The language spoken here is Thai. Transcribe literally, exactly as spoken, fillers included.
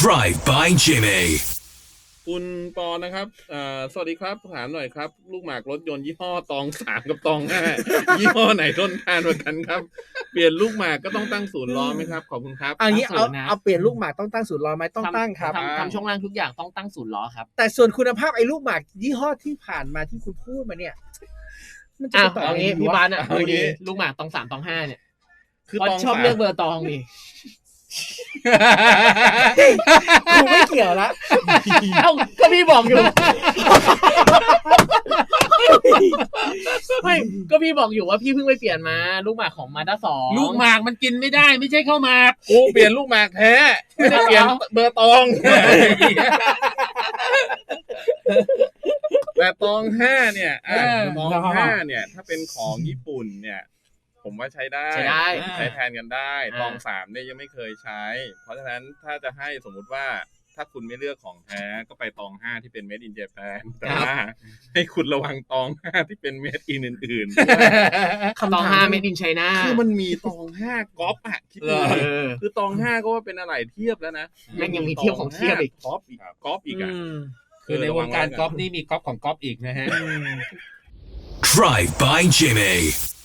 Drive by Jimmy คุณปอนะครับอ่าสวัสดีครับถามหน่อยครับลูกหมากรถยนต์ยี่ห้อตองสามกับตองห้ายี่ห้อไหนทนทานกว่ากันครับเปลี่ยนลูกหมากก็ต้องตั้งศูนย์ล้อไหมครับขอบคุณครับเอางี้ตั้เอางศูนย์นะเอาเปลี่ยนลูกหมากต้องตั้งศูนย์ล้อไหมต้องตั้งครับทำทำช่วงล่างทุกอย่างต้องตั้งศูนย์ล้อครับแต่ส่วนคุณภาพไอ้ลูกหมากยี่ห้อที่ผ่านมาที่คุณพูดมาเนี่ย มันจะอ้าไปวต่อเอางี้ไงดีพี่วะบานอ่ะเอาดูงี้ดีลูกหมากตองสามตองห้าเนี่ยคือเพราะตองชอบสามเลือกเบอร์ตองนี่กูไม่เกี่ยวละเอ้าก็พี่บอกอยู่ ไม่ก็พี่บอกอยู่ว่าพี่เพิ่งไปเปลี่ยนมาลูกหมากของมาด้าสองลูกหมากมันกินไม่ได้ไม่ใช่ข้าวหมากกูเปลี่ยนลูกหมากแท้ไม่ได้เปลี่ยนเบอร์ตองแต่ตองห้าเนี่ยอ่ะตองห้าเนี่ย ถ้าเป็นของญี่ปุ่นเนี่ย ผมว่าใช้ได้ใช้ได้ใช้แทนกันได้อ่าตองสามเนี่ยยังไม่เคยใช้ เพราะฉะนั้นถ้าจะให้สมมุติว่าถ้าคุณไม่เลือกของแท้ก็ไปตองห้าที่เป็น made in Japan แต่ว่าให้คุณระวังตองห้าที่เป็น made in อื่นๆด้วยตองห้าไม่ดินไชน่าคือมันมีตองห้าก๊อปอะคิดดูเออคือตองห้าก็ว่าเป็นอะไรเทียบแล้วนะแม่งยังมีเทียบของเทียบอีกก๊อปอีกก๊อปอีกอะคือในวงการกอล์ฟนี่มีกอล์ฟของกอล์ฟอีกนะฮะ Drive by Jimmy